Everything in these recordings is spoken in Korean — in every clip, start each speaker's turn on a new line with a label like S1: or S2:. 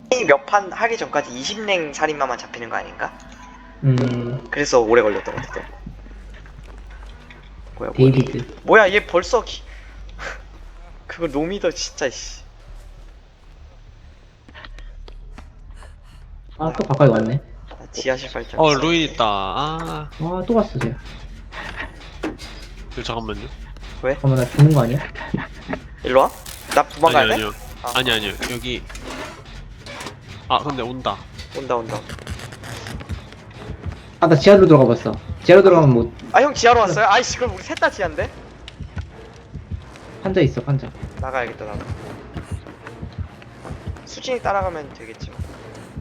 S1: 몇 판 하기 전까지 20랭 살인마만 잡히는 거 아닌가? 그래서 오래 걸렸던 것 같아. 뭐야
S2: 데이비드.
S1: 뭐야 얘 벌써 그거 노미더 진짜 씨.
S2: 아, 또 가까이 왔네.
S1: 지하실 발전.
S3: 루인 있다. 아,
S2: 와, 또 갔어, 쟤.
S3: 잠깐만요.
S2: 잠깐만, 나 죽는 거 아니야?
S1: 일로 와? 나 도망가야 돼?
S3: 아니요.
S1: 아.
S3: 아니요. 여기. 근데 온다.
S1: 온다.
S2: 아, 나 지하로 들어가 봤어. 지하로 들어가면 뭐,
S1: 아 형 지하로 왔어요? 아이씨 그럼 우리 셋 다 지하인데?
S2: 판자 있어, 판자.
S1: 나가야겠다 나도. 수진이 따라가면 되겠지 뭐.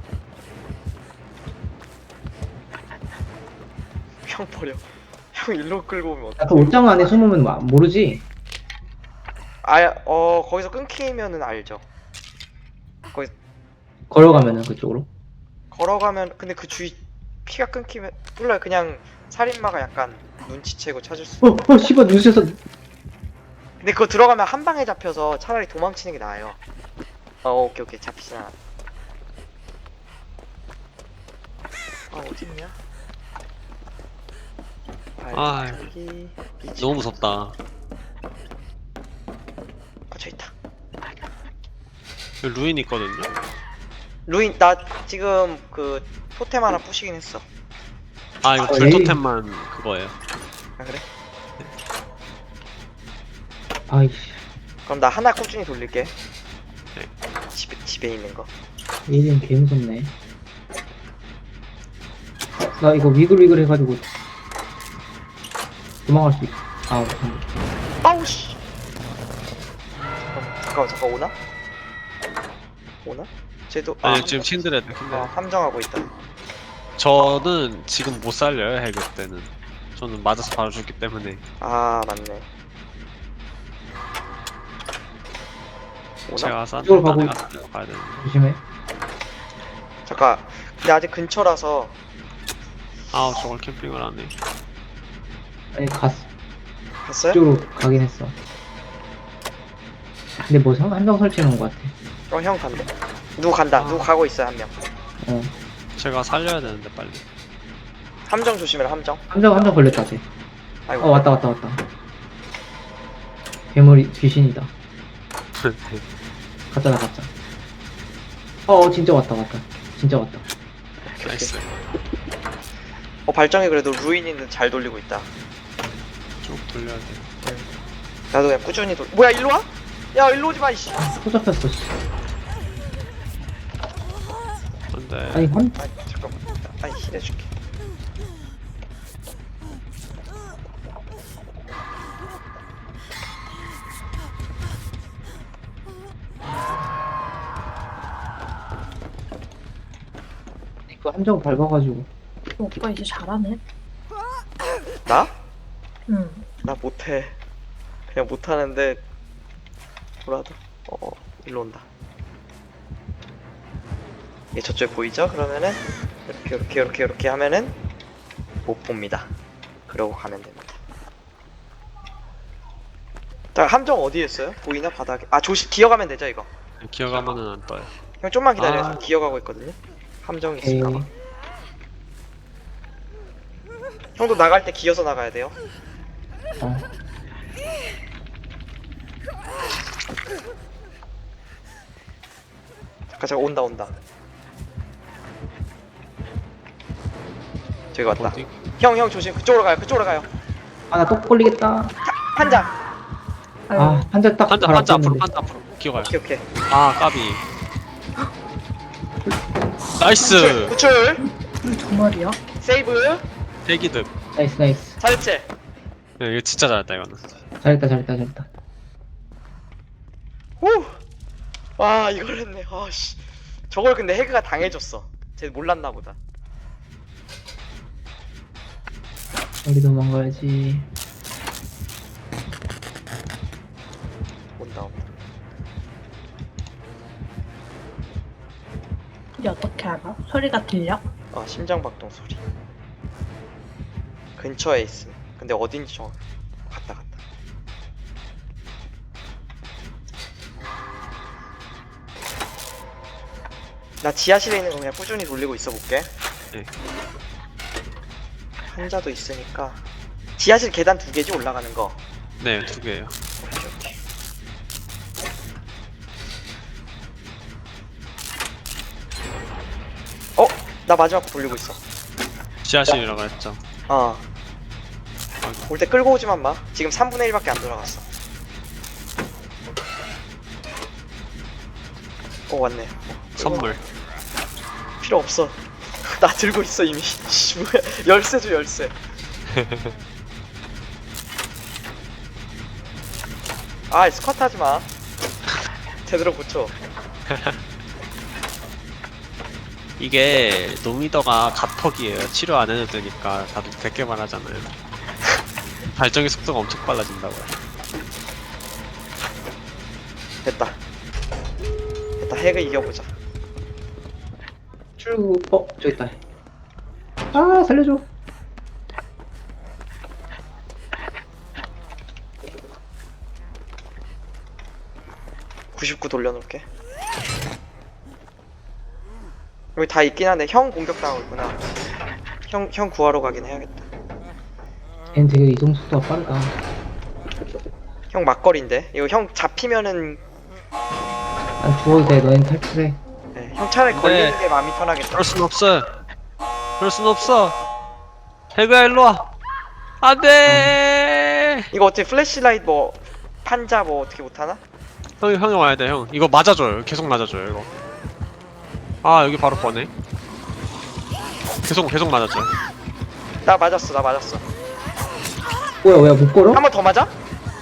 S1: 형 버려. 형 일로 끌고 오면
S2: 나 그
S1: 어떡해.
S2: 옷장 안에 숨으면 모르지?
S1: 거기서 끊기면은 알죠. 거기
S2: 걸어가면은 그쪽으로.
S1: 걸어가면 근데 그 주위 피가 끊기면 몰라요. 그냥 살인마가 약간 눈치채고 찾을 수.
S2: 씨발, 눈치에서.
S1: 근데 그거 들어가면 한 방에 잡혀서 차라리 도망치는 게 나아요. 오케이 잡히진 않아. 어딨냐? 발차기
S3: 너무 무섭다.
S1: 저 있다.
S3: 여기 루인 있거든요.
S1: 루인 나 지금 그 토템 하나 부시긴 했어.
S3: 이거
S2: 에이.
S3: 불토템만 그거예요.
S1: 아 그래?
S2: 아이씨.
S1: 그럼 나 하나 꾸준히 돌릴게. 집에 있는 거.
S2: 얘는 개 무섭네. 나 이거 위글위글 해가지고 도망갈 수 있어. 못한다.
S1: 아우 씨. 잠깐 오나? 쟤도
S3: 지금 신드레드.
S1: 함정하고 있다.
S3: 저는 지금 못 살려요, 해결 때는. 저는 맞아서 바로 죽기 때문에.
S1: 맞네. 오나?
S3: 제가 싼
S2: 이쪽으로 가고
S3: 가야 되는데.
S2: 조심해.
S1: 잠깐. 근데 아직 근처라서
S3: 저걸 캠핑을 안 해.
S2: 아니, 갔어.
S1: 갔어요?
S2: 이쪽으로 가긴 했어. 근데 뭐 한정 설치해 놓은 것 같아.
S1: 형 간다. 누구 간다. 누구 가고 있어요 한 명.
S3: 제가 살려야 되는데 빨리.
S1: 함정 조심해라 함정.
S2: 한정 걸렸다, 쟤.
S1: 아이고.
S2: 왔다. 괴물이, 귀신이다. 가짜. 진짜 왔다. 진짜 왔다.
S3: 나이스.
S1: 발정이 그래도 루인이는 잘 돌리고 있다.
S3: 쭉 돌려야 돼.
S1: 나도 그냥 꾸준히 뭐야 일로 와? 야 일로 오지 마 이씨.
S2: 또 잡혔어, 씨.
S3: 근데
S2: 아니,
S1: 잠깐만. 힐 해줄게.
S2: 그 함정 밟아가지고.
S4: 오빠 이제 잘하네.
S1: 나?
S4: 응.
S1: 나 못해. 그냥 못하는데 뭐라도. 일로 온다. 얘 저쪽에 보이죠? 그러면은 이렇게 하면은 못 봅니다. 그러고 가면 됩니다. 자 함정 어디에 있어요? 보이나 바닥에? 조심 기어가면 되죠 이거.
S3: 기어가면은 안 떠요.
S1: 형 좀만 기다려. 기어가고 있거든요. 함정이 있을까봐.
S2: 에이.
S1: 형도 나갈 때 기어서 나가야 돼요. 잠깐 온다. 저기 왔다.
S3: 어디?
S1: 형 조심. 그쪽으로 가요.
S2: 나 또 걸리겠다.
S1: 판자.
S2: 판자 딱 바로
S3: 판자
S2: 앞에
S3: 앞으로
S2: 있는데.
S3: 기어가요.
S1: 오케이.
S3: 까비. 나이스.
S1: 구출.
S4: 정말이야?
S1: 세이브.
S3: 대기득.
S2: 나이스.
S1: 살체.
S3: 이거 진짜 잘했다 이거는.
S2: 잘했다.
S1: 후. 와 이걸 했네. 씨. 저걸 근데 해그가 당해줬어. 쟤 몰랐나 보다.
S2: 빨리 도망가야지.
S1: 온다.
S4: 이제 어떻게 알아? 소리가 들려?
S1: 심장박동 소리. 근처에 있음. 근데 어딘지 갔다. 나 지하실에 있는 거 그냥 꾸준히 돌리고 있어 볼게.
S3: 네.
S1: 환자도 있으니까. 지하실 계단 2개지 올라가는 거.
S3: 네, 2개예요.
S1: 오케이 오케이. 어? 나 마지막 거 돌리고 있어.
S3: 지하실이라고 했죠.
S1: 어. 올 때 끌고 오지만 마. 지금 3분의 1밖에 안 돌아갔어. 왔네.
S3: 선물.
S1: 필요 없어. 나 들고 있어 이미. 씨, 뭐야. 열쇠 줘 열쇠. 아 스쿼트 하지 마. 제대로 고쳐.
S3: 이게 노미더가 갑퍽이에요. 치료 안 해도 되니까 다들 100개만 하잖아요. 발전기 속도가 엄청 빨라진다고요.
S1: 됐다. 됐다. 핵을 이겨보자.
S2: 저기 있다. 아, 살려줘.
S1: (99) 돌려놓을게. 여기 다 있긴 한데 형 공격당하고 있구나. 형 구하러 가긴 해야겠다.
S2: 걘 되게 이동 속도가 빠르다.
S1: 형 막걸리인데 이거 형 잡히면은
S2: 난 죽어도 돼. 너넨 탈출해.
S1: 네, 형 차라리
S3: 네.
S1: 걸리는 게 마음이 편하겠다.
S3: 그럴 순 없어. 그럴 순 없어. 해그야 일로 와. 안돼.
S1: 이거 어떻게 플래시라이트 뭐 판자 뭐 어떻게 못하나?
S3: 형이 와야 돼 형. 이거 맞아줘요. 계속 맞아줘요 이거. 아 여기 바로 뻔해. 계속 맞아줘요.
S1: 나 맞았어.
S2: 뭐야, 못 걸어?
S1: 한 번 더 맞아?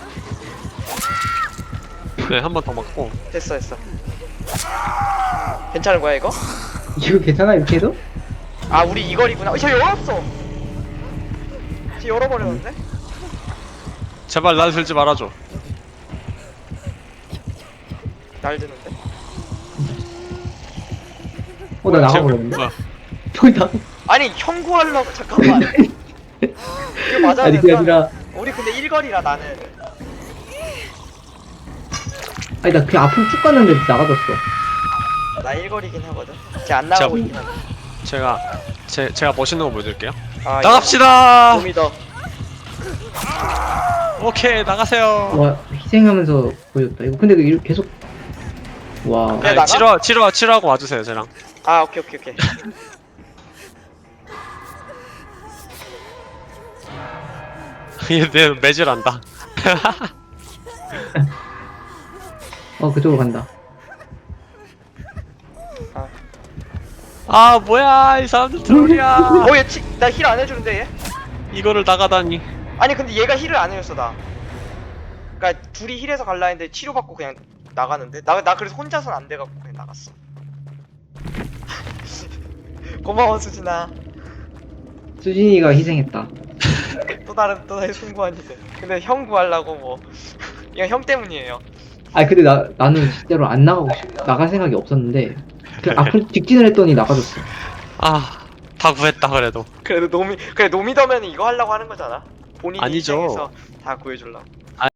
S3: 네 한 번 더 맞고.
S1: 됐어. 괜찮은 거야 이거?
S2: 이거 괜찮아, 이렇게 해도?
S1: 아 우리 이거리구나. 저 열었어. 저 열어버렸는데?
S3: 제발 날 들지 말아줘.
S1: 날 드는데?
S2: 나 나가버렸는데?
S3: 뭐야?
S2: 저기다.
S1: 아니 형 구하려고 잠깐만. 이거 맞아야
S2: 아니, 그게
S1: 된다.
S2: 아니라,
S1: 우리 근데 일거리라 나는.
S2: 아니, 나 그냥 앞으로 쭉 갔는데 나가졌어.
S1: 나 일거리긴 하거든. 쟤 안 나가고
S3: 자,
S1: 있긴 한데.
S3: 제가 멋있는 거 보여드릴게요.
S1: 아,
S3: 나갑시다.
S1: 좀 믿어.
S3: 오케이 나가세요.
S2: 와, 희생하면서 보여줬다. 이거 근데 이거 계속. 와.
S1: 야, 나가?
S3: 치료하고 와주세요 쟤랑.
S1: 아 오케이.
S3: 얘 매질한다.
S2: 그쪽으로 간다.
S3: 아 뭐야 이 사람들 트롤이야.
S1: 나 힐 안 해주는데 얘?
S3: 이거를 나가다니.
S1: 아니 근데 얘가 힐을 안 해줬어 나. 그니까 둘이 힐해서 갈라 했는데 치료받고 그냥 나가는데? 나 그래서 혼자선 안 돼갖고 그냥 나갔어. 고마워 수진아.
S2: 수진이가 희생했다.
S1: 또 다른 숭고한 희생. 근데 형 구하려고 뭐 이건 형 때문이에요.
S2: 아니, 근데 나는 진짜로 안 나갈 생각이 없었는데, 그 앞으로 직진을 했더니 나가졌어.
S3: 아 다 구했다 그래도.
S1: 그래 노미더면 이거 하려고 하는 거잖아. 본인이
S3: 아니죠.
S1: 희생해서 다 구해주려고.